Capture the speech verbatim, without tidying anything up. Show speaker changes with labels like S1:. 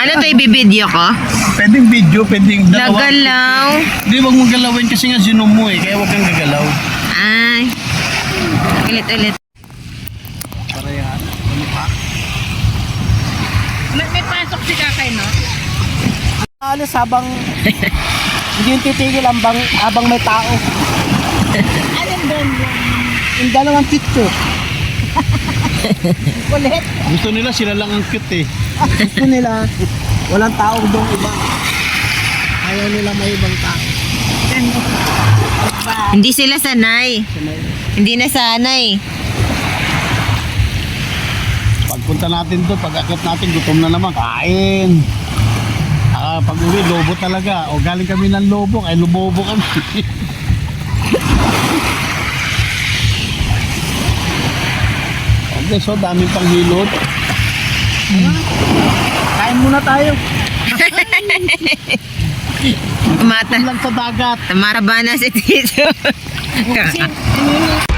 S1: Ano to, ibibideo ko?
S2: Pwedeng video, pwedeng dalawa.
S1: Nagalaw.
S2: Hindi, wag mong galawin kasi nga zoom mo eh. Kaya wag kang gagalaw.
S1: Ay. Ulit-ulit.
S2: Para yan. Ano pa?
S3: May, may pasok si Kakay, no?
S4: Alis habang hindi yung titigil habang, habang may tao.
S3: Alin doon yung...
S4: Yung dalawang tito.
S3: Kulit.
S2: Gusto nila sila lang ang cute eh.
S4: Gusto nila, walang tao doon iba. Ayaw nila may ibang tao.
S1: Hindi sila sanay. Hindi na sanay.
S2: Pagpunta natin doon, pag akit natin, gutom na naman. Kain. Ah, pag uwi, lobo talaga. O galing kami ng lobo, ay lubobo kami. Okay, so daming pang hilot.
S4: Kain muna tayo.
S1: Tumata.
S2: Lang sa dagat.
S1: Tamaraba na si Tito.
S3: Kasi, ano yun,